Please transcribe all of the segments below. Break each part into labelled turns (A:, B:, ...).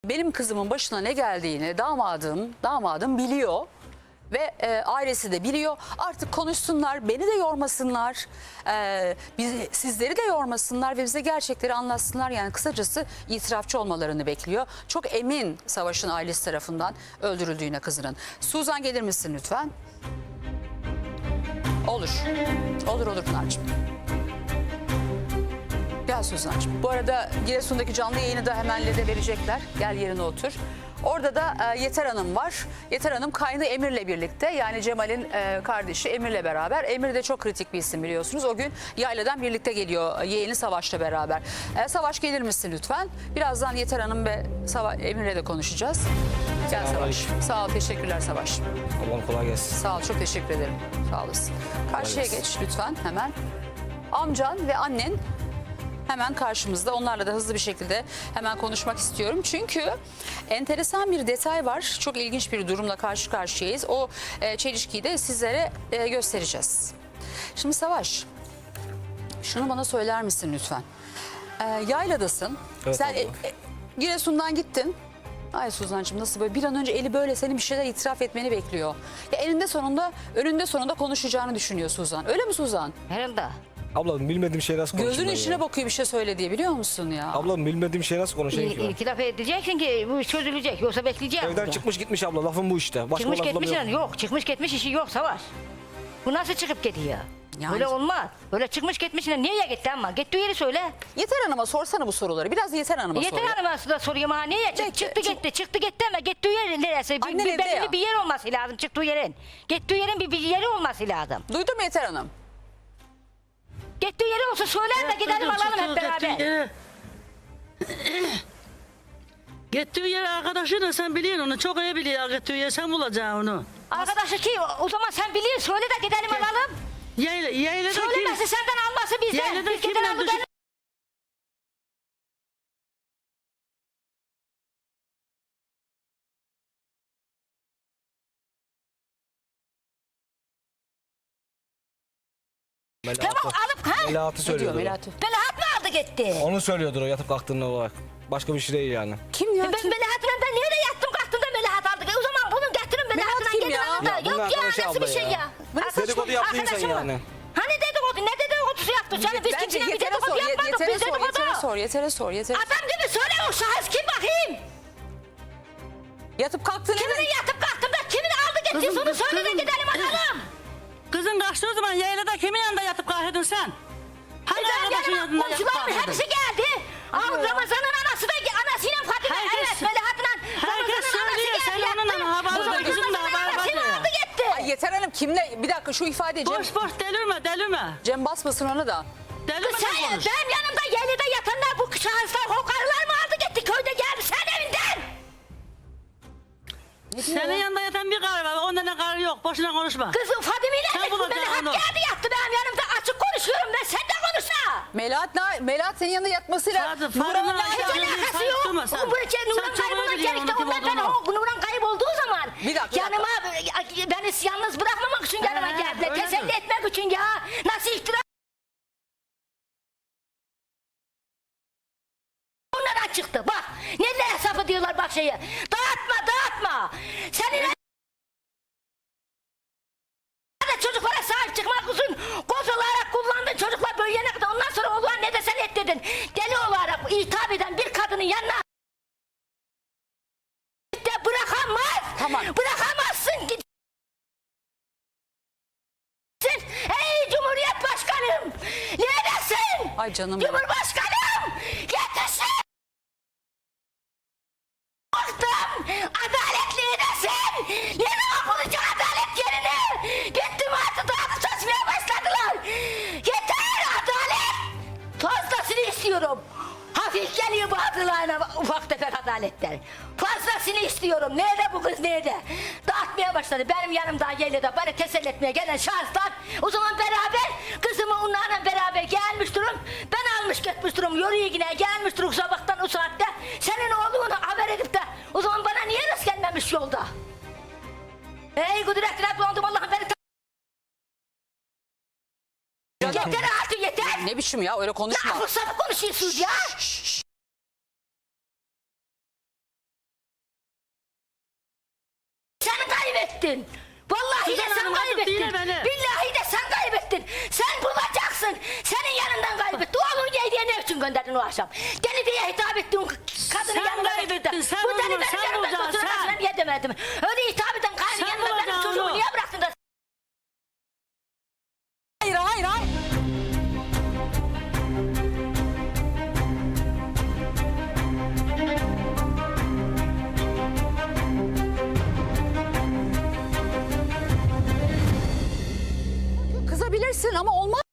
A: Benim kızımın başına ne geldiğini damadım biliyor ve ailesi de biliyor. Artık konuşsunlar, beni de yormasınlar, sizleri de yormasınlar ve bize gerçekleri anlatsınlar. Yani kısacası itirafçı olmalarını bekliyor. Çok emin Savaş'ın ailesi tarafından öldürüldüğüne kızının. Suzan gelir misin lütfen? Olur. Olur Pınar'cığım. Gel Suzan'cığım. Bu arada Giresun'daki canlı yayını da hemen LED'e verecekler. Gel yerine otur. Orada da Yeter Hanım var. Yeter Hanım kaynı Emir'le birlikte, yani Cemal'in kardeşi Emir'le beraber. Emir de çok kritik bir isim biliyorsunuz. O gün yayladan birlikte geliyor yeğeni Savaş'la beraber. Savaş gelir misin lütfen? Birazdan Yeter Hanım ve Emir'le de konuşacağız. Gel Savaş. Sağ ol, teşekkürler Savaş.
B: Allah'ım kolay gelsin.
A: Sağ ol, çok teşekkür ederim. Sağ olasın. Karşıya geç lütfen hemen. Amcan ve annen hemen karşımızda. Onlarla da hızlı bir şekilde hemen konuşmak istiyorum. Çünkü enteresan bir detay var. Çok ilginç bir durumla karşı karşıyayız. O çelişkiyi de sizlere göstereceğiz. Şimdi Savaş, şunu bana söyler misin lütfen? Yayladasın.
B: Evet,
A: sen Giresun'dan gittin. Ay Suzan'cığım, nasıl böyle bir an önce eli böyle senin bir şeyler itiraf etmeni bekliyor. Ya önünde sonunda konuşacağını düşünüyor Suzan. Öyle mi Suzan?
C: Herhalde.
B: Ablam bilmediğim şey nasıl konuşayım?
A: Gözünün içine bakıyor bir şey söyle diye, biliyor musun ya?
B: Ablam bilmediğim şey nasıl konuşayım ki ben?
C: İtiraf edeceksin ki bu iş çözülecek. Yoksa bekleyeceğim.
B: Evden
C: burada.
B: çıkmış gitmiş abla, lafım bu işte. Başka
C: Çıkmış
B: lafım
C: gitmiş
B: yok.
C: yani yok. Çıkmış gitmiş işi yok Savaş. Bu nasıl çıkıp gidiyor?
A: Yani-
C: Öyle olmaz. Öyle çıkmış gitmiş nereye gitti ama? Gittiği yeri söyle.
A: Yeter Hanım'a sorsana bu soruları. Biraz Yeter Hanım'a sor.
C: Yeter Hanım'a da soruyorum ha niye?
A: Peki,
C: Çıktı gitti ama gittiği yer neresi?
A: Annen evde
C: Belli
A: ya.
C: bir yer olması lazım çıktığı yerin. Gittiği yerin bir yeri olması lazım.
A: Duydun mu Yeter Hanım?
C: Gittiği yeri olsa söyler de gidelim alalım hep beraber.
D: Gittiği yer arkadaşıyla sen biliyorsun onu. Çok iyi biliyor gittiği yer. Sen bulacaksın onu.
C: Arkadaşı ki o zaman sen biliyorsun söyle de gidelim alalım.
D: Yaylada
C: Söylemesi senden alması bizden.
D: Yaylada
C: Biz
D: kimle
C: gidelim
D: düşün-
C: Tamam alıp ha?
B: Melahat'ı
A: Ne diyor
B: söylüyordur.
A: Melahat?
C: Melahat mı aldı gitti?
B: Onu söylüyordur o yatıp kalktığında olarak. Başka bir şey değil yani.
A: Kim ya?
C: Ben
A: Kim?
C: Melahat'la nerede yattım kalktım da Melahat aldı. O zaman bunu getirin Melahat'la
A: kim
C: gidin
A: ya?
C: alın da.
B: Ya bunun
C: Yok ya
B: arkadaşı
C: nasıl bir
B: abla
C: şey
B: ya.
C: ya?
B: Dedikodu yaptı insan
C: Arkadaşım mı?
B: yani.
C: Hani dedikodu? Ne dedikodusu yaptı canım? Biz
A: Bence
C: kimsine bir
A: Yeter'e
C: dedikodu
A: sor.
C: yapmadık.
A: Yeter'e
C: Biz
A: sor. Yeter'e
C: dedikodu.
A: sor. Yeter'e sor. Yeter'e.
C: Adam gibi söyle o şahıs kim bakayım?
A: Yatıp kalktın.
C: Kimin yatıp kalktım da kimin aldı gitti?
D: Kızım,
C: Onu söyle de
D: kızım.
C: gidelim alalım.
D: Kızın kaçtı o zaman yaylada kimin yanında yatıp kalkıyordun sen? Hangi
C: Ben
D: arkadaşın
C: yanıma
D: yanında yatıp
C: komşularımın
D: kalkıyordun?
C: hepsi geldi. Ramazan'ın anası da anasıyla Fatime
D: Herkes-
C: evet Melahat'la
D: herkes
C: Ramazan'ın anası
D: söylüyor,
C: geldi.
D: sen onun
C: yattı.
D: haberi
C: O zaman
D: var, kızım da
C: Ramazan'ın
D: haberi var
C: anasını
D: ya.
C: aldı gitti.
A: Ay Yeter Hanım kimle? Bir dakika şu ifade
D: Boş boş delirme.
A: Cem basmasın ona da.
D: Delirme
C: Sen
D: ne konuş?
C: benim yanımda yerlide yatanlar bu şahıslar o karılar mı aldı gitti köyde geldi sen evinden.
D: Senin yanında yatan bir karı var. Onda ne karı yok. Boşuna konuşma.
C: Kızım Fadime'yle
D: Sen bulacaksın
C: Melahat
D: onu.
C: geldi yattı benim yanımda açık konuşuyorum ben sen de konuşma.
A: Melahat senin yanında yatmasıyla
D: Sadece
A: Nurhan'la
D: Fadime
C: Hiç
D: Sen
C: alakası
D: bir
C: yok.
D: karıştırma sen.
C: Bu ülke Nurhan
D: Sen çok iyi
C: kaybolmak
D: biliyorsun
C: gerekti.
D: onun kim
C: Onlar ben
D: olduğunu.
C: o Nurhan kaybolduğu zaman
A: Bir dakika.
C: yanıma beni yalnız bırakmamak için yanıma
D: He,
C: geldiler.
D: öyle
C: Teselli
D: mi?
C: etmek için ya. Nasıl iftira onlara çıktı bak. Neler hesap ediyorlar bak şeyi. Dağıtma. Senin çocuklara sahip çıkmak için koz olarak kullandın çocuklar büyüyene kadar ondan sonra oğlan ne desen et dedin. Deli olarak hitap eden bir kadının yanına de bırakamaz.
A: Tamam.
C: Bırakamazsın gitsin. Ey Cumhuriyet Başkanım neredesin?
A: Ay canım benim.
C: Cumhurbaşkanım yetişin. Baktım adaletli nesin? Yerine bulacak adalet yerine. Gittim artık dağıtı saçmaya başladılar. Yeter adalet. Fazlasını istiyorum. Hafif geliyor bazılarına ufak tefek adaletler. Fazlasını istiyorum. Nerede bu kız nerede? Dağıtmaya başladı. Benim yanımda yerlerde beni teselli etmeye gelen şahıslar. O zaman beraber kızımı onlarla beraber gelmiş durum. Ben almış gitmiş durum. Yoruyor yine gelmiş durum sabahtan o saatte. Senin oğlunu haber edip de o zaman bana niye rast gelmemiş yolda? Ey kudretine bulandım Allah'ım beni yeter artık yeter.
A: Ne biçim ya, öyle konuşma.
C: Ne fırsatı konuşuyorsunuz ya? kaybettin. Vallahi
D: Suzan
C: de sen
D: Hanım, artık
C: kaybettin.
D: dinle beni.
C: Billahi de sen kaybettin. Sen bulacaksın. Senin yanından kaybetti. Oğlun diye ne için gönderdin o akşam? Deli diye hitap ettin kadını
D: Sen
C: yanına
D: kaybettin,
C: götürdün.
D: sen
C: Bu
D: onu,
C: deli benim
D: sen
C: yanımda
D: bulacaksın,
C: götüremez.
D: sen.
C: Ben niye demedim? Öyle hitap eden kaynı
D: Sen
C: yanında benim
D: bulacaksın
C: çocuğumu
D: onu.
C: niye bıraktın da?
A: Hayır hayır hayır. Kızabilirsin ama olmaz.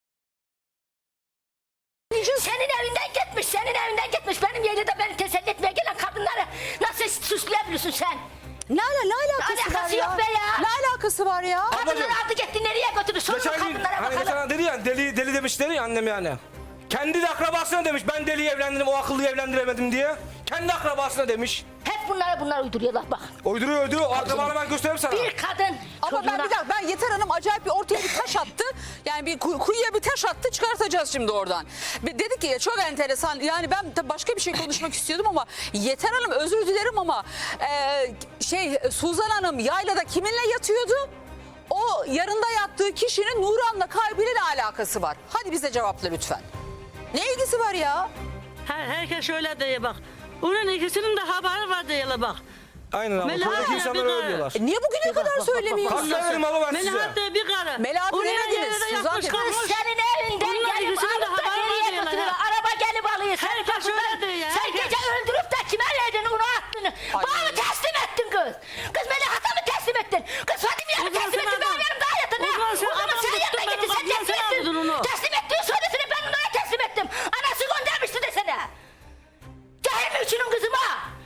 C: Senin evinden gitmiş, senin evinden gitmiş. Benim yerine beni teselli etmeye gelen kadınları nasıl suçlayabiliyorsun sen?
A: Ne alakası var
C: Alakası
A: ya?
C: yok be ya.
A: Ne alakası var ya?
C: Kadınları aldı gitti nereye götürdü? Sorun
B: Geçen gün
C: kadınlara
B: hani
C: bakalım.
B: geçen dedi ya deli demişleri ya annem yani. Kendi de akrabasına demiş ben deliyi evlendirdim o akıllıyı evlendiremedim diye. Kendi akrabasına demiş.
C: Hep bunlar uyduruyorlar bak.
B: Uyduruyor. O akrabaları ben göstereyim sana.
C: Bir kadın
A: Ama ben
C: çocuğuna...
A: bir dakika, ben Yeter Hanım acayip bir ortaya bir taş attı. Yani bir kuyuya bir taş attı, çıkartacağız şimdi oradan. Dedi ki çok enteresan, yani ben tabii başka bir şey konuşmak istiyordum ama Yeter Hanım özür dilerim ama Suzan Hanım yaylada kiminle yatıyordu? O yarında yattığı kişinin Nuran'la kalbiyle ne alakası var? Hadi bize cevapla lütfen. Ne ilgisi var ya?
D: Herkes şöyle diye bak. Onun ikisinin de haberi var diye bak.
B: Aynen abla.
D: Melahat
B: Köydeki
D: ya,
B: insanlar
D: bir
B: öyle
D: de-
B: diyorlar.
A: Niye bugüne kadar söylemiyorsun?
B: Kaç verim abla ben size?
D: Melahat diye bir karı.
A: Melahat
D: Onun
A: demediniz,
D: yerine de
A: Suzan
D: yatmış
A: dediniz.
D: kalkmış.
C: Senin evinden
D: Bunlar
C: gelip
D: ikisinin de
C: alıp da
D: haberi var
C: nereye
D: diyorlar
C: götürüyor?
D: ha.
C: Araba gelip alıyor. Sen
D: Herkes
C: kapıdan-
D: öyle diyor ya,
C: Sen
D: herkes.
C: gece öldürüp de kime verdin onu attın? Bana mı teslim ettin kız? Kız Melahat'a mı teslim ettin? Kız Fadime'ye mi
D: O zaman
C: teslim
D: sen
C: ettin? Benim
D: adam-
C: yanımda hayatın
D: o zaman sen
C: O zaman
D: adam
C: sen
D: tuttun
C: yanına
D: beni,
C: gittin. Sen
D: o zaman sen
C: teslim ettin.
D: aldın onu.
C: Teslim ettiğin söylesene ben ona teslim ettim. Anası göndermişti desene. Cahil mi üçünün kızıma?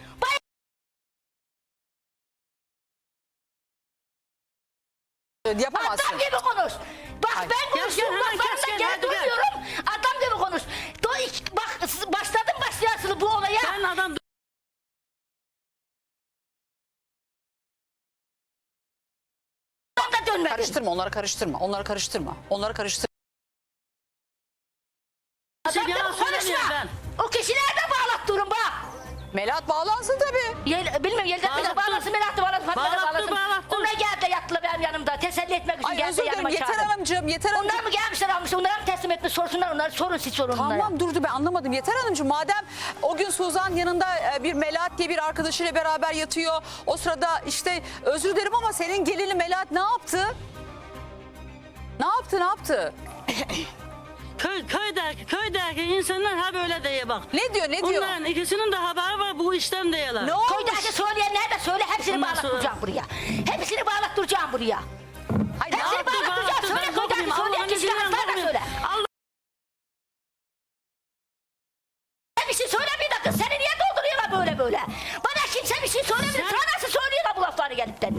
A: Yapamazsın.
C: Adam gibi konuş. Bak
A: Ay.
C: ben konuşuyorum
D: Gel, gel,
C: laflarımda
D: gel,
C: gel
D: hadi gel.
C: duyuyorum. Adam gibi konuş. Bak başladın başlayasını bu olaya.
D: Ben adam
C: Ben de dönmedim.
A: Karıştırma, onları karıştırma. Onları karıştırma. Onları karıştırma.
C: Adam gibi
D: yalan söylemiyorum
C: konuşma.
D: ben.
C: O kişiler de bağlattırın bak.
A: Melahat bağlansın tabii.
C: Bilmiyorum Yelden bile
D: Bağlattı.
C: bağlasın, Melahat'ı bağlasın, Fatma'da
D: Bağlattı,
C: bağlasın.
D: bağlattı.
C: Onlar geldi de yattılar benim yanımda. Teselli etmek için
A: Ay
C: geldi
A: özür dilerim
C: yanıma
A: Yeter
C: çağırdı.
A: Hanımcığım, Yeter Hanımcığım.
C: Onlar mı gelmişler almışlar, onlara mı teslim etmiş sorsunlar onları, sorun siz sorun onlara.
A: Tamam durdu ben anlamadım. Yeter Hanımcığım madem o gün Suzan yanında bir Melahat diye bir arkadaşıyla beraber yatıyor. O sırada işte özür dilerim ama senin gelini Melahat ne yaptı? Ne yaptı?
D: köydeki insanlar ha böyle diye bak.
A: Ne diyor?
D: Onların ikisinin de haberi var bu işten diyorlar.
A: Ne olmuş?
C: Koydaki söyleyenler de söyle, hepsini
D: Ondan sonra-
C: bağlattıracağım buraya. Hepsini bağlattıracağım buraya.
A: Hayır, ne
C: Hepsini
A: yaptı?
C: bağlattıracağım. Söyle
D: Ben
C: koydaki
D: korkmayayım,
C: söyleyen
D: Allah'ın
C: kişiler
D: izniyle
C: hatta da söyle.
D: Allah
C: Sen bir şey söylemiyor da kız, seni niye dolduruyorlar böyle? Bana kimse bir şey söylemiyor.
D: Sen-
C: Sana nasıl söylüyorlar bu lafları gelip de?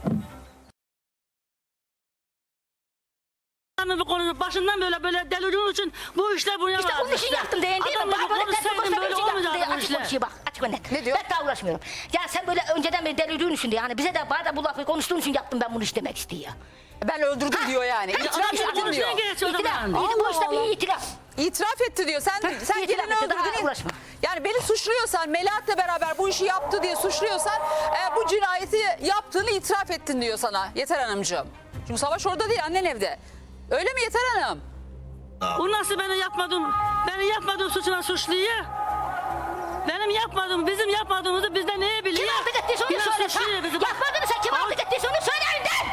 D: bir konu başından böyle delirdiğin için bu işler buraya
C: İşte onun için yaptım değil mi?
D: Adamla
C: Bak
D: bir
C: böyle
D: konuşsaydın
C: telefon
D: böyle
C: için
D: olmayacaktı
C: yaptım.
D: bu
C: Açık
D: işler.
C: konuşuyor bak, açık ve net.
A: Ne diyor?
C: Ben daha uğraşmıyorum. Ya sen böyle önceden beri delirdiğin için diye. Yani bize de bana da bu lafı konuştuğun için yaptım ben bunu iş demek istiyor.
A: Ben öldürdüm diyor yani.
C: Ha,
A: İtiraf
C: işte
A: ettim
C: bunu
A: diyor.
D: geç o
C: İtiraf.
D: zaman.
C: İyi, bu
A: Allah
C: işte
A: Allah.
C: bir itiraf.
A: İtiraf etti diyor. Sen
C: itiraf
A: gelini
C: etti, daha
A: öldürdün.
C: uğraşma.
A: Yani beni suçluyorsan, Melahat'la beraber bu işi yaptı diye suçluyorsan bu cinayeti yaptığını itiraf ettin diyor sana Yeter Hanımcığım. Çünkü Savaş orada değil, annen evde. Öyle mi Yeter Hanım?
D: O nasıl beni yapmadığım suçuna suçluyor? Benim yapmadığım, bizim yapmadığımızı bizden neye biliyor?
C: Kim aldık ettiyse onu
D: Yine
C: söyle.
D: suçluyor bizi.
C: Yapmadın sen kim aldık ettiyse onu söyle önden.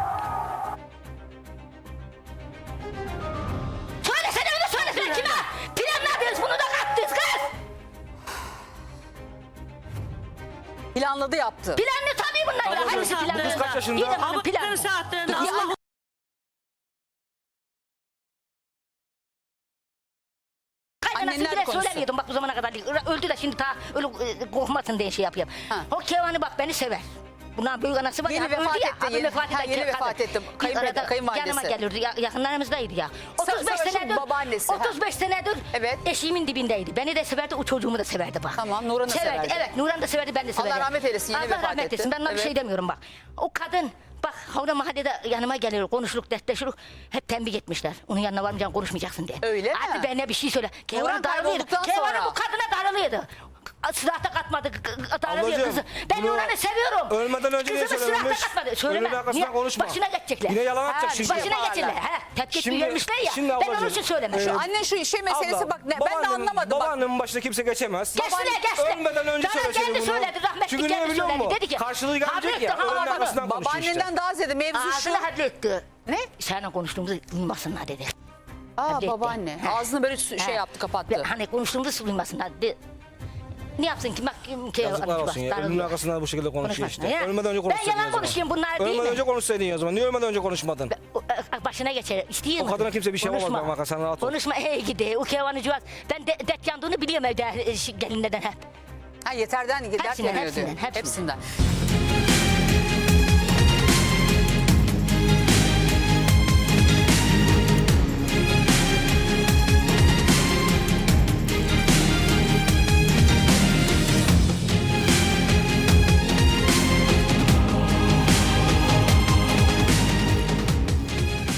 C: Söylesene onu söylesene kime? Planladınız bunu da kattınız kız.
A: Planladı yaptı.
C: Planlı tabii bunlar.
B: Ablacığım,
C: Hangisi
B: bu kız
C: planlı?
B: kaç yaşında?
C: İyi de bunun
D: Ama
C: planlı.
D: bir saatlerinde
A: Ya-
D: Allah
C: Kaynanası
A: Annenler
C: bile
A: konuşsun.
C: söylemiyordum bak bu zamana kadar değil. Öldü de şimdi ta öyle korkmasın diye şey yapıyorum.
A: Ha.
C: O Kevan'ı bak beni sever. Bundan büyük anası var
A: Yeni
C: ya,
A: vefat
C: öldü ya.
A: etti,
C: Adı
A: yeni-
C: vefat
A: ha,
C: eden
A: yeni
C: kadın.
A: vefat etti.
C: Biz arada
A: Kayınvalidesi.
C: yanıma gelirdi. Yakınlarımızdaydı ya. 35
A: Savaş'ın
C: senedir.
A: babaannesi, ha.
C: 35 senedir
A: Evet.
C: eşiğimin dibindeydi. Beni de severdi, o çocuğumu da severdi bak.
A: Tamam, Nurhan'ı severdi.
C: Evet, Nurhan da severdi, ben de severdim.
A: rahmet eylesin, yeni
C: Allah
A: vefat
C: rahmet
A: etti.
C: eylesin. Ben ona bir
A: Evet.
C: şey demiyorum bak. O kadın bak orada mahallede yanıma geliyor, konuşuluk, dertleşilik. Hep tembih etmişler. Onun yanına varmayacaksın, konuşmayacaksın diye.
A: Öyle mi?
C: Hadi benimle bir şey söyle. Kevan darılıyordu.
A: kaybolduktan
C: Kevan
A: sonra.
C: bu kadına darılıyordu. silahta katmadı adalet
B: Ablacığım,
C: kızı. Ben
B: bunu
C: Nurhan'ı seviyorum.
B: ölmeden önce niye
C: Kızımı
B: söylememiş?
C: silahta katmadı. Söyleme.
B: Ölümün arkasından
C: Niye?
B: konuşma.
C: Başına geçecekler.
B: Yine yalan atacak
A: Ha,
B: şimdi.
A: başına
C: Başına geçecekler. Tetkik vermişler ya.
B: şimdi
C: Ben onun
B: ablacığım,
C: için söylemişim.
A: Annen şu şey meselesi bak ben de anlamadım. Bak.
B: Babaannemin başına kimse geçemez.
C: Geçti.
B: Ölmeden önce
C: Bana
B: söyleseydi
C: kendi
B: bunu.
C: söyledi, rahmetli
B: Çünkü niye
C: kendi
B: biliyor
C: söyledi.
B: musun?
C: Dedi ki,
B: Karşılığı gelecek ya.
C: Habrettin,
B: Ölümün
C: bak,
B: arkasından konuşuyor işte.
A: Babaannenden daha ziyade mevzu şu.
C: Ağzını halletti.
A: Ne?
C: Seninle konuştuğumuzu duymasınlar dedi.
A: Aa
C: Halletti.
A: babaanne.
C: Ha.
A: Ağzını böyle şey
C: Ha.
A: yaptı kapattı.
C: Hani konuştuğumuzu duymasınlar. Ne yapsın ki? Bak kim
B: Yazıklar olsun ya. Ölümün arkasından bu şekilde konuşuyor
C: Konuşmasın
B: işte.
C: ya.
B: Ölmeden önce
C: Ben
B: konuşsaydın
C: yalan
B: o zaman.
C: konuşayım, bunlar değil
B: Ölmeden
C: mi?
B: önce konuşsaydın ya o zaman. Niye ölmeden önce konuşmadın?
C: Başına geçer. İstiyor
B: O kadına kimse bir şey yapamaz bak, bak, sen rahat ol.
C: Konuşma ey gidi. O kevanı cuvaz. Ben dert yandığını biliyorum evde gelinlerden hep.
A: Ha yeterden dert
C: Hepsinden,
A: yanıyor diyor.
C: hepsinden.
A: Hepsinden.